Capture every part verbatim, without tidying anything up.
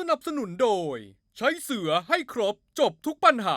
นับสนุนโดยใช้เสือให้ครบจบทุกปัญหา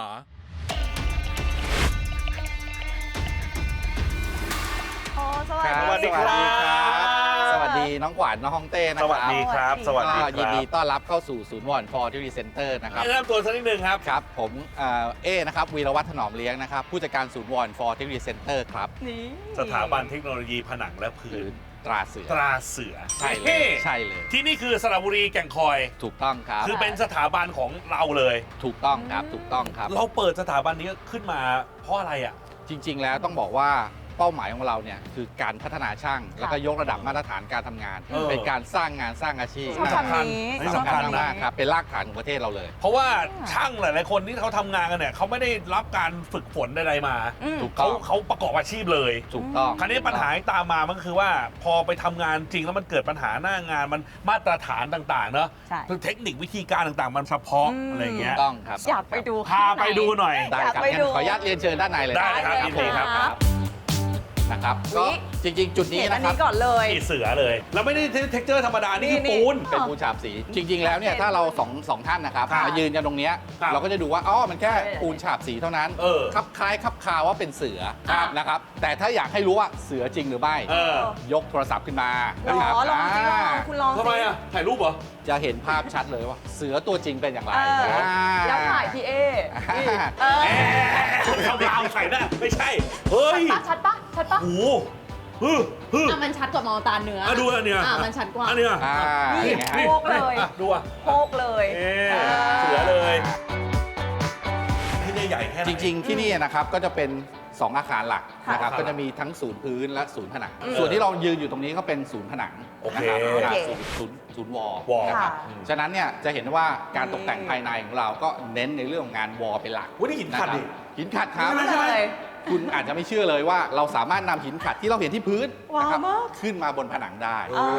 โอ้สวัสสวัสดีดีครับสวัสดีน้องขวัญน้องฮ่องเต้นะสควัสรับดีครับ สวัสดีคก็รับยินดีต้อนรับเข้าสู่ศูนย์วอนฟอร์ทิวเซ็นเตอร์นะครับแนะนำตัวสักนิดหนึ่งครับครับผมเอ่อเอนะครับวีรวัฒน์ถนอมเลี้ยงนะครับผู้จัดการศูนย์วอนฟอร์ทิวเซ็นเตอร์ครับนี่สถาบันเทคโนโลยีผนังและหพื้รืนอตราเสือตราเสือใช่เลเฮ้ยใช่เลยที่นี่คือสระบุรีแก่งคอยถูกต้องครับคือเป็นสถาบันของเราเลยถูกต้องครับถูกต้องครับเราเปิดสถาบันนี้ขึ้นมาเพราะอะไรอ่ะจริง ๆ แล้วต้องบอกว่าเป้าหมายของเราเนี่ยคือการพัฒนาช่าง แล้วก็ยกระดับมาตรฐานการทำงานเออเป็นการสร้างงานสร้างอาชีพชอบนะครับคำนี้นี่สำคัญนะมากครับเป็นรากฐานของประเทศเราเลยเพราะว่าช่างหลาย ๆ คนที่เขาทำงานกันเนี่ยเขาไม่ได้รับการฝึกฝนใดๆมาอืมถูกต้เขาองเขาประกอบอาชีพเลยถูกต้องคราวนี้ปัญหาที่ตามมามันคือว่าพอไปทำงานจริงแล้วมันเกิดปัญหาหน้างานมันมาตรฐานต่างๆเนอะใช่คือเทคนิควิธีการต่างๆ มันเฉพาะอืมอะไรอย่างเงี้ถูยกต้องครับอยากไปดูพาไปดูหน่อยได้ครับอยากไปงั้นดูขออนุญาตเรียนเชิญด้านในเลยได้ครับได้ยินดีครับครับนะครับอุ๊ก็ยจริง ๆ จุดนี้เห็นอันะนครับนี้ก่อนเลยนี่เสือเลย แล้วไม่ได้เท็กเจอร์ธรรมดา นี่คือนี่ปูนเป็นปูนฉาบสี จริง ๆ แล้วเนี่ยถ้าเราสองสองท่านนะครับครับมายืนกันตรงเนี้ยครับเราก็จะดูว่าอ๋อมันแค่ปูนฉาบสีเท่านั้นเออคับคล้ายคับคาว่าเป็นเสือครับนะครับแต่ถ้าอยากให้รู้ว่าเสือจริงหรือไม่เออยกโทรศัพท์ขึ้นมาหรนะครับอลองสิลองอ่าคุณลองสิทำไมอ่ะ ถ่ายรูปเหรอจะเห็นภาพชัดเลยว่าเสือตัวจริงเป็นอย่างไรเอออ่าแล้วถ่ายพี่เอนี่เออแอะเขาดาวใส่หน้าไม่ใช่ เฮ้ยชัดปะชัดปะโอ้โหฮึฮึอ่ะมันชัดกว่ามองตาเนื้ออ่ะดูอันเนี้ยอ่ะมันชัดกว่าอันเนี้ยอ่านี่อย่างเงี้ยโพกเลยอ่ะดูอ่ะโพกเลยเอ๊ะเสือเลย ที่นี่ใหญ่แค่ไหนจริง ๆ ที่นี่นะครับก็จะเป็นสองอาคารหลักค่ะนะครับค่ะก็จะมีทั้งศูนย์พื้นและศูนย์ผนังอืมส่วนที่เรายืนอยู่ตรงนี้ก็เป็นศูนย์ผนังโอเคนะครับโอเคศูนย์ศูนย์ศูนย์วอลวอลนะครับค่ะฉะนั้นเนี่ยจะเห็นว่าการตกแต่งภายในของเราก็เน้นในเรื่องของงานวอลเป็นหลักอุ๊ยนี่หินขัดดิะครับหินขัดครับใช่ไหมใช่ไหมเลยคุณอาจจะไม่เชื่อเลยว่าเราสามารถนำหินขัดที่เราเห็นที่พื้นว้าวนะครับมากขึ้นมาบนผนังได้อ๋อ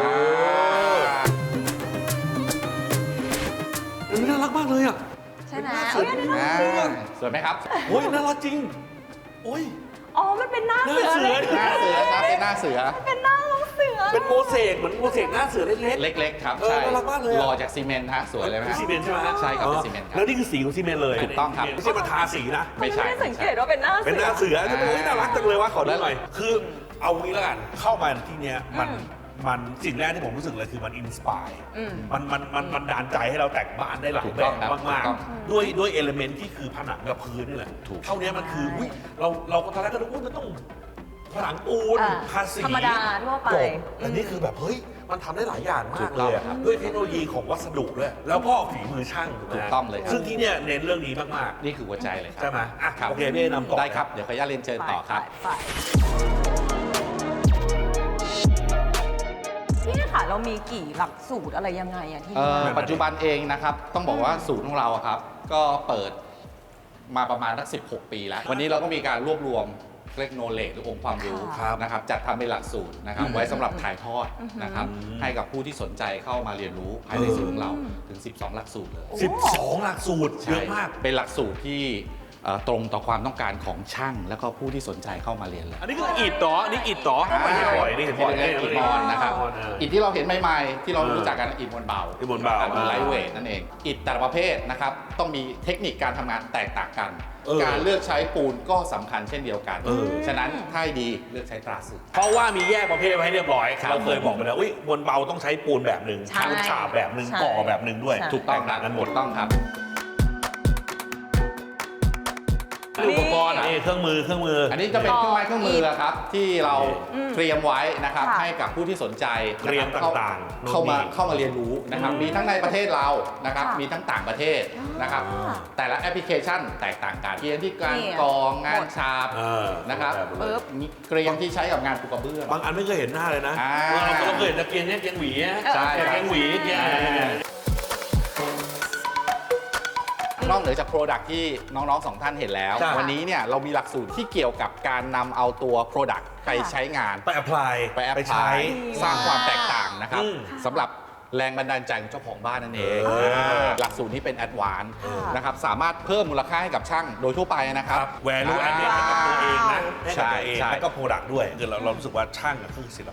เออน่ารักมากเลยอ่ะใช่ไหมน่าสเอ้วยยอันนี้อ่าน่าสวยไหมครับโอ้ยน่ารักจริง โอ้ยอ๋อ มันเป็นหน้าหน้าเสือเสือเลยหน้าเสือครับเป็นหน้าเสือเป็นหน้าน้องเสือเป็นโมเสกเหมือนโมเสกหน้าเสือเล็กเล็กๆครับเออใช่น่ารักมากเลยอะหล่อจากซีเมนต์ฮะสวยเลยไหมๆฮะซีเมนต์ใช่ไหมฮะใช่ครับอ๋อเป็นซีเมนต์ครับแล้วนี่คือสีของซีเมนต์เลยถูกต้องครับไม่ใช่มาทาสีนะไม่ใช่ไม่ได้สังเกตว่าเป็นหน้าเสือเป็นหน้าเสือจะเป็นอ่าโอ้ยน่ารักจังเลยว่าขอดูหน่อย คือเอางี้แล้วกัน เข้ามาที่เนี้ยมันอืมมันสิ่งแรกที่ผมรู้สึกเลยคือมันอินสปายอืมมันมันมันมันดานใจให้เราแต่งบ้านได้หลายถูกแบต้องบครับมากถูกต้องๆ ด้วยด้วยเอลเมนต์ที่คือผนังกับพื้นนี่แหละถูกเท่านี้มันคืออุ๊ยเราเราก็ตอนแรกก็นึกว่ามันต้องผนังปูนอ่าทาสีธรรมดาทั่วไปจบแต่นี่คือแบบเฮ้ยมันทำได้หลายอย่างมากเลยอะถูกต้องครับด้วยเทคโนโลยีของวัสดุด้วยแล้วก็ฝีมือช่างถูกไหมถูกต้องเลยครับซึ่งที่เนี่ยเน้นเรื่องนี้มากนี่คือหัวใจเลยคๆรับใช่ไหมอ่ะครับโอเคพี่เอนำต่อได้ครับ เดี๋ยวขออนุญาตเรียนเชิญต่อครับไปๆพี่ค่ะ เรามีกี่หลักสูตรอะไรยังไงอะที่เอ่นี่อปัจจุบันเองนะครับ ต้องบอกว่าศูนย์ของเราอะครับ ก็เปิดมาประมาณสักสิบหก ปีแล้ว วันนี้เราก็มีการรวบรวมเรียกโนเลจหรือองค์ความรู้ครับนะครับจัดทำเป็นหลักสูตรนะครับ ไว้สำหรับถ่ายทอดนะครับอืมให้กับผู้ที่สนใจเข้ามาเรียนรู้ภายในศูนย์ของเราถึง สิบสอง หลักสูตรเลยสิบสองหลักสูตรเยอะมากเป็นหลักสูตรที่เอ่อตรงต่อความต้องการของช่าง แล้วก็ผู้ที่สนใจเข้ามาเรียนเลยอันนี้คืออิฐต่ออันนี้อิฐต่อไม่ใช่ปล่อยนี่เห็นที่ปล่อยเรียกอิฐมอนนะครับเอออิฐที่เราเห็นใหม่ๆที่เราเออรู้จักกันอิฐมวลเบาอิฐมวลเบาไลท์เวทนั่นเองอิฐแต่ละประเภทนะครับต้องมีเทคนิคการทำงานแตกต่างกันเออการเลือกใช้ปูนก็สำคัญเช่นเดียวกันเออฉะนั้นถ้าให้ดีเลือกใช้ตราสือเพราะว่ามีแยกประเภทไว้ให้เรียบร้อยครับเราเคยบอกไปแล้วอุ้ยบนเบาต้องใช้ปูนแบบหนึ่งใช่ชั้นฉาบแบบหนึ่งใช่ก่อแบบหนึ่งด้วยใช่ถูกต้องครับแตต่างกันหมดถูกต้องครับอุปกรณ์นี่เครื่องมือเครื่องมืออันนี้จะเป็นเครื่องไม้เครื่องมือครับที่เราอืมเตรียมไว้นะครับค่ะให้กับผู้ที่สนใจเตรียมนะครับต่างๆเข้ามานู่นนี่เข้ามาเรียนรู้นะครับอืมมีทั้งในประเทศเรานะครับค่ะมีทั้งต่างประเทศนะครับอ่าแต่ละแอปพลิเคชันแตกต่างกันเกรียนที่การนี่กรองงานฉาบเออนะครับปึ๊บมีเกรียงที่ใช้กับงานปูกระเบื้องบางอันไม่เคยเห็นหน้าเลยนะอ่าเราเราเคยเห็นตะเกียงเนี่ยเกียงหวีอะใช่เกียงหวีเกียงนอกเหนือจากโปรดักที่น้องๆสองท่านเห็นแล้วใช่วันนี้เนี่ยเรามีหลักสูตรที่เกี่ยวกับการนำเอาตัวโปรดักไปใช้งานไปแอพพลายไปแอปพใช้ลายสร้างความแตกต่างนะครับอืมสำหรับแรงบันดาลใจของเจ้าของบ้านนั่นเองเอออ่าหลักสูตรนี้เป็นแอดวานซ์ค่ะนะครับสามารถเพิ่มมูลค่าให้กับช่างโดยทั่วไปนะครับแวลูแอดเดให้กับตัวเองนะให้กับตัวเองใช่แล้วก็โปรดักต์ด้วยคือเราเรารู้สึกว่าช่างอะคือศิลปิน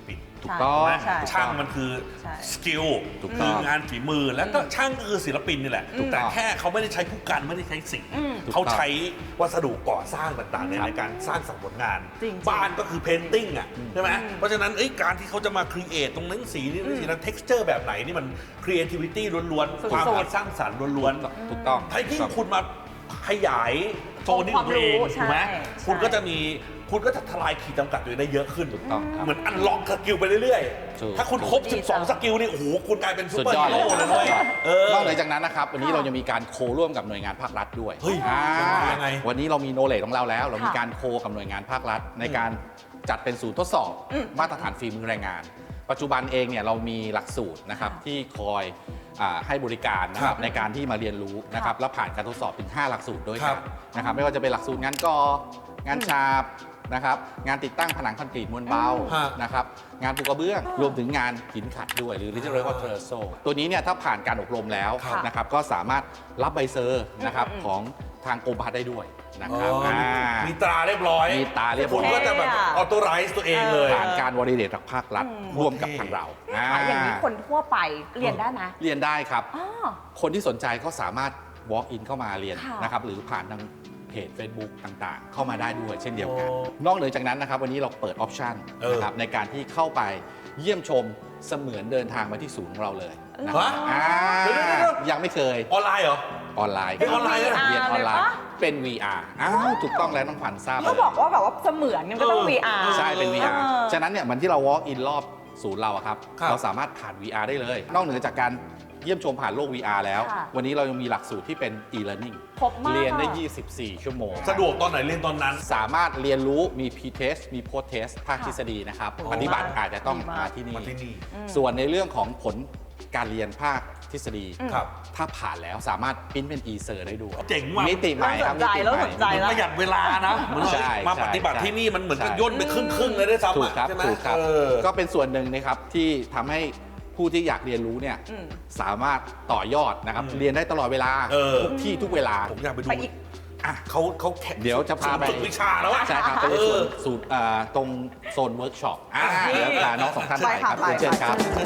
ถูกต้องไหมใช่ช่างมันคือใช่สกิลถูกต้คือองงานฝีมือแล้วก็ช่างก็คือศิลปินนี่แหละถูกต้แต่องแค่เขาไม่ได้ใช้ผู้กันไม่ได้ใช้สีอืมเขาใช้วัสดุก่อสร้างต่างๆในครับในการสร้างสรรค์ผลงานจริงๆบ้านก็คือเพนติ้งอ่ะใช่ไหมเพราะฉะนั้นเอ้ยการที่เขาจะมาครีเอทตรงนั้นสีนี่สีนั้น texture แบบไหนนี่มัน creativity ล้วนสุดๆๆความคิดสร้างสรรค์ล้วนถูกต้องๆถ้ายิ่งคุณมาขยายโซนนี้ของตัวเองความรู้ถูกไหมใช่คุณก็จะมีคุณก็จะทลายขีดจำกัดตัวเองได้เยอะขึ้นถูกต้องครับเหมือนอันล็อกสกิลไปเรื่อยถูกๆ ถ้าคุณครบดีสิบสองจังสกิลนี่ โอ้โห คุณกลายเป็นซูสุดเปอร์ยอดฮีเลยโร่เลยด้วยเออนอกเหนือจากนั้นนะครับ วันนี้เรายังมีการโคร่วมกับหน่วยงานภาครัฐด้วยเฮ้ยอ่ายังไงวันนี้เรามีโนเลจของเราแล้ว เรามีการโคกับหน่วยงานภาครัฐ ในการจัดเป็นศูนย์ทดสอบอืมมาตรฐานฝีมือแรงงาน ปัจจุบันเองเนี่ยเรามีหลักสูตรนะครับค่ะที่คอยอ่าให้บริการนะคครัรับบ ในการที่มาเรียนรู้นะครับแล้วผ่านการทดสอบถึงห้าหลักสูตรด้วยครักับ นนะครับไม่ว่าจะเป็นหลักสูตรงานกองานฉาบนะครับงานติดตั้งผนังคอนกรีตมวลเบาฮะนะครับงานปูกระเบื้องรวมถึงงานหินขัดด้วยหรือที่เรียกว่าเทอร์โซตัวนี้เนี่ยถ้าผ่านการอบรมแล้วครับนะครับก็สามารถรับใบเซอร์นะครับอืมของทางกรมพัฒน์ได้ด้วยนะอ๋ครับออ่ามีตราเรียบร้อยมีตราเรียบร้อยคุณก็จะแบบออโตไรส์ตัวเองเลยผ่านการวอลิเดตจากภาครัฐอืมร่วมกับทางเราค่ะอย่างนี้คนทั่วไปเรียนได้ไหมเรียนได้ครับอ๋อคนที่สนใจก็สามารถ walk in เข้ามาเรียนค่ะนะครับหรือผ่านทางเพจ Facebook ต่างๆ เข้ามาได้ด้วยเช่นเดียวกันโอ้นอกเหนือจากนั้นนะครับวันนี้เราเปิดออปชันเออนะครับในการที่เข้าไปเยี่ยมชมเสมือนเดินทางมาที่ศูนย์ของเราเลยนะครับฮะอ่าเดี๋ยวๆๆยังไม่เคยออนไลน์เหรอออนไลน์เรียนออนไลน์เหรอเรียนออนไลน์เลยปะเป็น วี อาร์ อ้าวถูกต้องแล้วน้องขวัญทราบเขาเลยบอกว่าแบบว่าเสมือนมันก็ต้องเออวี อาร์ใช่เป็น วี อาร์เออฉะนั้นเนี่ยเหมือนที่เรา walk in รอบศูนย์เราอะครับครับเราสามารถผ่าน วี อาร์ ได้เลย นอกเหนือจากการเยี่ยมชมผ่านโลก วี อาร์ แล้วค่ะวันนี้เรายังมีหลักสูตรที่เป็น e-learning ครบมากเรียนได้อะยี่สิบสี่ ชั่วโมงสะดวกตอนไหนเรียนตอนนั้นสามารถเรียนรู้มี pre-test มี post-test ภาคทฤษฎีนะครับโอ้ปฏิบัติอาจจะต้องดีมากมาที่นี่มาที่นี่ส่วนในเรื่องของผลการเรียนภาคทฤษฎีครับถ้าผ่านแล้วสามารถปริ้นเป็น e-ser ได้ด้วยเจ๋งว่ะมิติใหม่ครับเริ่มสนใจมิติเริ่มใหสนใจม่มันประหยัดเวลานะเหมือนใช่มาใช่ปฏิบัติใช่ที่นี่มันเหมือนกับใช่ย่นไปครึ่งครึ่งๆเลยด้วยซ้ำถูกอะครับใช่ไหมถูกครับเออก็เป็นส่วนหนึ่งนะครับที่ทำให้ผู้ที่อยากเรียนรู้เนี่ยอืมสามารถต่อยอดนะครับอืมเรียนได้ตลอดเวลาเออทุกที่ทุกเวลาผมอยากไปดูไปอีกอ่ะเขาเขาแข่งเดี๋ยวจะพาไปฝึกวิชาแล้วอะใช่ครับไปในเอส่วอนสูตรอ่าตรงโซนเวิร์กช็อปอ่านี่แล้วพาน้องสองท่านไปครับไปค่ะเชิญครับไป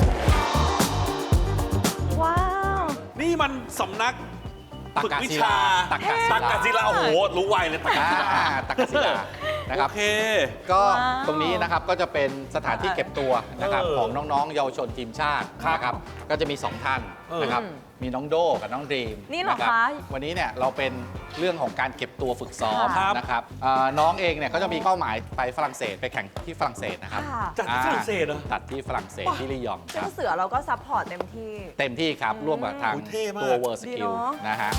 ว้าวนี่มันสำนักตักฝึกกะวิศิชาลาตักกะศิลาตักกะศิลาโอ้โห รู้ไวเลยตักกะอ่าศิลาตักกะศิลานะครับโอเคก็ว้าวตรงนี้นะครับก็จะเป็นสถานที่เก็บตัวนะครับเออของน้องๆ เยาวชนทีมชาติครับนะครับก็จะมีสองท่านเออนะครับอืมมีน้องโดกับน้องดรีมนี่เหรอรับคะวันนี้เนี่ยเราเป็นเรื่องของการเก็บตัวฝึกซ้อมครับนะครับอ่าน้องเองเนี่ยก็จะมีเป้าหมายไปฝรั่งเศสไปแข่งที่ฝรั่งเศสนะครับค่ะจากที่ฝรั่งเศสเหรอจัดที่ฝรั่งเศสที่ลียองคซึ่รังบเสือเราก็ซัพพอร์ตเต็มที่เต็มที่ครับ ร่วมกับทางโอ้ยเท่มากตัวเวอร์สดีกิลเนอะนะฮะ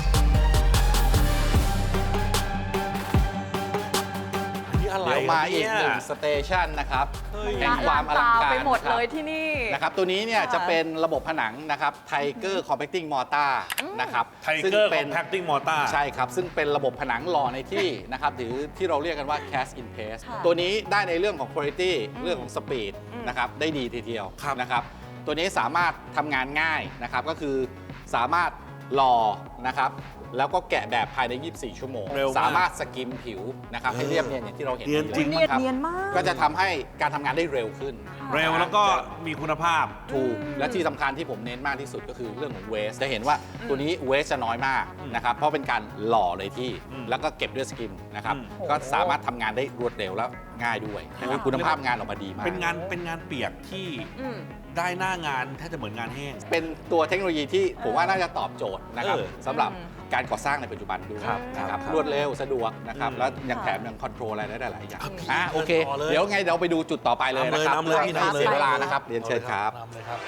อันนี้อะไรเดี๋ยวมาอีกหนึ่งเยสเตชันนะครับเฮ้ยแห่งความอลังการไปหมดนะครับเลยที่นี่นะครับตัวนี้เนี่ยค่ะจะเป็นระบบผนังนะครับ Tiger Compacting Mortar นะครับไทซึ่งเกอร์เป็เป็น นแพคติ้งมอต้าใช่ครับ ซึ่งเป็นระบบผนังหล่อในที่นะครับหรือที่เราเรียกกันว่า cast in place ค่ะตัวนี้ได้ในเรื่องของ quality เรื่องของ speed อืมนะครับได้ดีทีเดียวครับนะครับตัวนี้สามารถทำงานง่ายนะครับก็คือสามารถหล่อนะครับแล้วก็แกะแบบภายใน ยี่สิบสี่ ชั่วโมงเร็วมากสามารถสกิมผิวนะครับให้เรียบเนียนอย่างที่เราเห็นเนียนจริงลเนียนครับเนียนมากก็จะทำให้การทำงานได้เร็วขึ้นเร็วแล้วก็มีคุณภาพถูกและที่สำคัญที่ผมเน้นมากที่สุดก็คือเรื่องของเวสจะเห็นว่าตัวนี้เวสจะน้อยมากนะครับเพราะเป็นการหล่อเลยที่อืมแล้วก็เก็บด้วยสกิมนะครับอืมก็สามารถทำงานได้รวดเร็วและง่ายด้วยนะครับคุณภาพงานออกมาดีมากเป็นงานเป็นงานเปียกที่อืมได้หน้างานแทบจะเหมือนงานแห้งเป็นตัวเทคโนโลยีที่ผมว่าน่าจะตอบโจทย์นะครับเออสำหรับอืมการก่อสร้างในปัจจุบันด้วยครับนะครับครับรวดเร็วสะดวกนะครับอืมแล้วยังค่ะแถมยังคอนโทรลอะไรได้หลายอย่างครับอ่ะโอเคต่อเลยเดี๋ยวไงเดี๋ยวไปดูจุดต่อไปเลยนะครับนำเลยนำเลยพี่ไม่นำเลยเสียเวลานะครับเรียนเชิญครับนำเลยครับ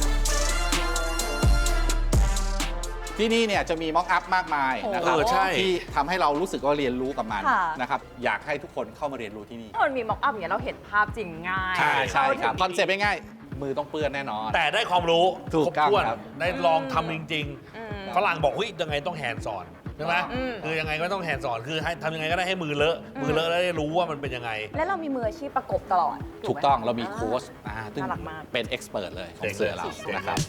ที่นี่เนี่ยจะมีม็อกอัพมากมายนะครับเออใช่ที่ทำให้เรารู้สึกว่าเรียนรู้กับมันค่ะนะครับอยากให้ทุกคนเข้ามาเรียนรู้ที่นี่ถ้ามันมีม็อกอัพอย่างเงี้ยเราเห็นภาพจริงง่ายใช่ใช่ครับคเข้าอนถึงเซ็ปต์ง่ายๆมือต้องเปื้อนแน่นอนแต่ได้ความรู้ถูกครบต้องถ้วนครับได้ลองทำจริงอืมๆ ฝรั่งบอกเฮ้ยยังไงต้องแฮนด์สอนใช่ไหมอืมคือยังไงก็ต้องแฮนด์สอนคือให้ทำยังไงก็ได้ให้มือเลอะมือเลอะแล้วได้รู้ว่ามันเป็นยังไงและเรามีมืออาชีพประกบตลอดถูกไหมต้องเรามีโค้ชอ่าซึ่งน่ารักมากเป็นเอ็กซ์เพรสเลยของเจ๋งเสือเราเจ๋งนะครับ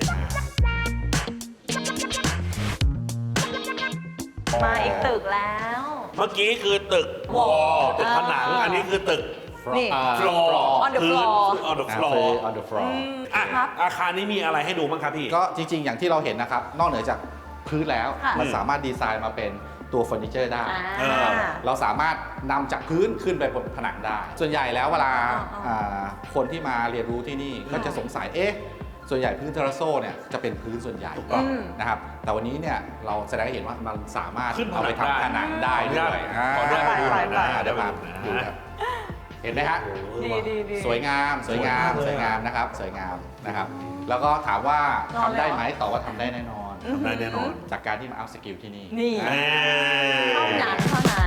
มาอีกตึกแล้วเมื่อกี้คือตึกวอลตึกผนังอ่าอันนี้คือตึกนี่อ่า floor on the พื้น floor on the อ่า floor คือ on the floor อ่ะครับอาคารนี้มีอะไรให้ดูบ้างครับพี่ก็จริงๆ อย่างที่เราเห็นนะครับ นอกเหนือจากพื้นแล้วค่ะมันสามารถดีไซน์มาเป็นตัวเฟอร์นิเจอร์ได้อ่านะครับเราสามารถนำจากพื้นขึ้นไปบนผนังได้ ส่วนใหญ่แล้วเวลาอ่าอ่าคนที่มาเรียนรู้ที่นี่ก็จะสงสัยเอ๊ะส่วนใหญ่พื้นเทราโซเนี่ยจะเป็นพื้นส่วนใหญ่ถูกต้องนะครับแต่วันนี้เนี่ยเราแสดงให้เห็นว่ามันสามารถขึ้นผนังเอาไปทำผนังได้ด้วยขออนุญาตขออนุญาตไปไปอ่าเดี๋ยวมาเดี๋ดูยวมาครับเห็นไหมฮะดีดีดีสวยงามสวยงามสสววย ยมากงามนะครับสวยงามนะครับ แล้วก็ถามว่านอนทำได้เลยเหรอไหมตอบว่าทำได้แน่นอนทำได้แน่นอนจากการที่มาอัพสกิลที่นี่นี่อ่าเท่านั้นเท่านั้น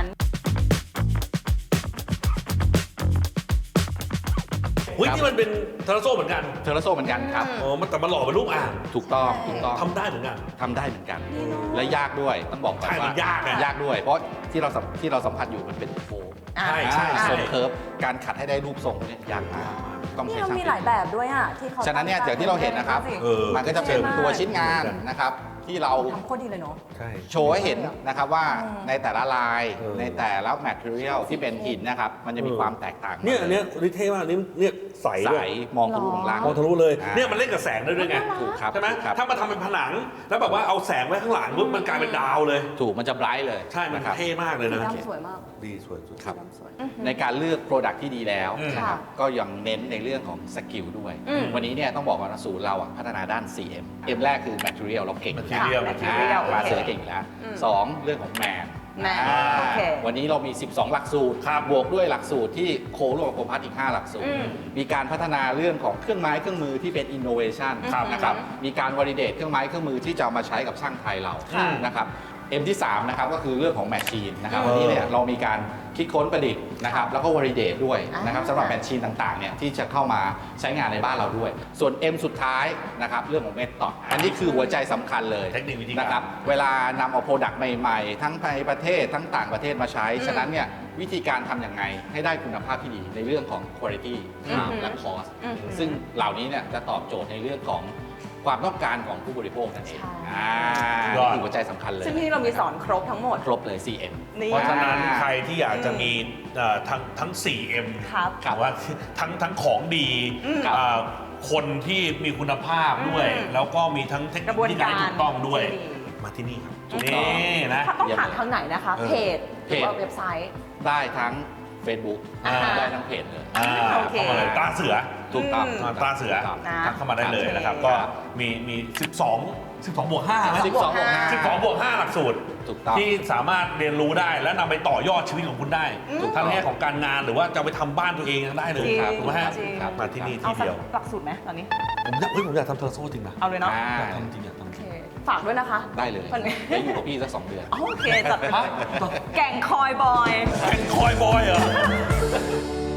เฮ้ยนี่มันเป็นเทอร์โซเหมือนกันเทอร์โซเหมือนกันครับอ๋อมันแต่มันหล่อเป็นรูปอ่างถูกต้องถูกต้องทำได้เหมือนกันทำได้เหมือนกัน และยากด้วยต้องบอกก่อนใช่ว่ามันยากอะยากด้วย เพราะที่เราสัมที่เราสัมผัสอยู่มันเป็นโฟมอ่าใช่ใช่อ่าใช่ทรงเคิร์ฟการขัดให้ได้รูปทรงเนี่ยยากมากต้องนี่ใช้เราช่างมีฝีหลายแบบด้วยอ่ะที่เขาฉะนั้นเนี่ยอย่างที่เราเห็นนะครับเออมันก็จะเป็นตัวชิ้นงานนะครับที่เราทำโคตรดีเลยเนาะใช่โชว์ให้เห็นนะครับว่าอืมในแต่ละลายเออในแต่ละ material ที่เป็นหินนะครับ มันจะมีเออความแตกต่างเนี่ยอันเนี้ยนี่เท่มากนี่เนี่ยใสใสด้วยมองทะลุของล่างมองทะลุเลยอ่าเนี่ยมันเล่นกับแสงได้ด้วยไงถูกครับใช่ไหมถูกครับถ้ามาทำเป็นผนัง แล้วแบบว่าเอาแสงไว้ข้างหลังปุ๊บมันกลายเป็นดาวเลยถูกมันจะไบรท์เลยใช่ มันนะครับเท่มากเลยสีนะดำสวยมากดีสวยสุดครับสีดำสวยในการเลือก Product ที่ดีแล้วอืมนะครับค่ะก็ยังเน้นในเรื่องของสกิลด้วยอืมวันนี้เนี่ยต้องบอกว่าศูนย์เราอะพัฒนาด้าน ซี เอ็ม M แรกคือ material เราเก่ง Material ค่ะ Material มาเสือเก่งอยู่แล้วอืมสองเรื่องของแมนแมนอ่าโอเควันนี้เรามี สิบสอง หลักสูตรครับบวกด้วยหลักสูตรที่โคร่วมกับโคพัฒน์อีก ห้า หลักสูตรอืมมีการพัฒนาเรื่องของเครื่องไม้เครื่องมือที่เป็น innovation ครับนะครับ มีการ validate เครื่องไม้เครื่องมือที่จะเอามาใช้กับช่างไทยเราค่ะนะครับ M ที่ สาม นะครับก็คือเรื่องของแมชชีนนะครับเออวันนี้เนี่ยเรามีการคิดค้นประดิษฐ์นะครับแล้วก็ validate ด้วยนะครับอ่าสำหรับแมชชีนต่างๆเนี่ยที่จะเข้ามาใช้งานในบ้านเราด้วย ส่วน M สุดท้ายนะครับเรื่องของ method อันนี้คือหัวใจสำคัญเลยเทคนิควิธีการนะครับเวลานำเอาโปรดักต์ใหม่ๆ ทั้งในประเทศทั้งต่างประเทศมาใช้ ฉะนั้นเนี่ยวิธีการทำอย่างไงให้ได้คุณภาพที่ดีในเรื่องของ quality อืมและ cost อืมซึ่งเหล่านี้เนี่ยจะตอบโจทย์ในเรื่องของความต้องการของผู้บริโภคนั่นเองใช่อ่ายอดนี่คือหัวใจสำคัญเลยซึ่งที่นี่เรามีสอนครบทั้งหมดครบเลย ซี เอ็มนี่เพราะฉะนั้นใครที่อยากจะมีเอ่อทั้งทั้ง โฟร์ เอ็มครับหรือว่าทั้งทั้งของดีอืมเอ่อคนที่มีคุณภาพด้วยอืมแล้วก็มีทั้งเทคกนิระคบวนที่การถูกต้องด้วยที่ดีมาที่นี่ครับถูกต้องนี่นะถ้าต้องเยี่ยมผ่านเลยทางไหนนะคะเออเพจหรือว่าเว็บไซต์ได้ทั้ง Facebook อ่าได้ทั้งเพจเลยอ่าโอเคเข้ามาเลยตาเสือถูกต้องอืมอ่าตาเสือถูกต้องนะทักเข้ามาได้เลยนะครับโอเคก็มีมี สิบสอง สิบสองบวกห้าไหมสิบสองบวกห้าสิบสองบวกห้าหลักสูตรถูกต้องที่สามารถเรียนรู้ได้และนำไปต่อยอดชีวิตของคุณได้ถูกต้องทั้งในแง่ของการงานหรือว่าจะไปทำบ้านตัวเองยังได้เลยจริงถูกไหมฮะจริงมาที่นี่เอาที่สักเดียวหลักสูตรไหมตอนนี้ผมอยากเฮ้ยผมอยากทำเทอร์โซ่จริงนะเอาเลยเนาะอ่าอยากทำจริงอยากทำโอจเคริงฝากด้วยนะคะได้เลยวันนี้ได้อยู่กับพี่สักสองเดือนโอเคจัดไปเลยแก่งคอยบอยเป็นคอยบอยเหรอ